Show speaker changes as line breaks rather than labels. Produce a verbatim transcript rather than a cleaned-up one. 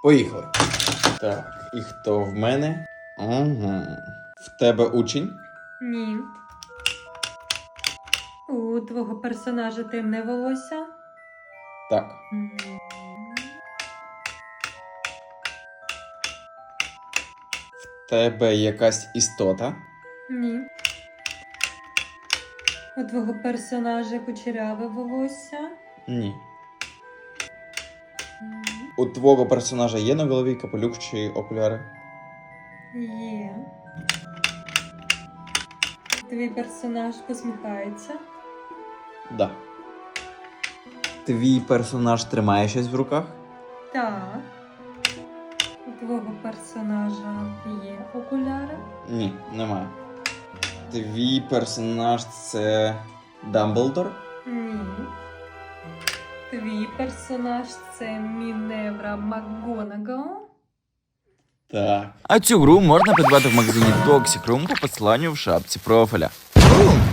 Поїхали. Так, і хто в мене? Угу. В тебе учень?
Ні. У твого персонажа темне волосся?
Так.
М.
В тебе якась істота?
Ні. У твого персонажа кучеряве волосся?
Ні.
М.
У твого персонажа є на голові капелюх чи окуляри?
Є. Твій персонаж посміхається?
Да. Твій персонаж тримає щось в руках?
Так. У твого персонажа є окуляри?
Ні, немає. Твій персонаж це Дамблдор?
Ні. Твій персонаж це Міневра МакГонагал?
Так.
А цю гру можна придбати в магазині Toxic Room по посиланню в шапці профіля. Бум!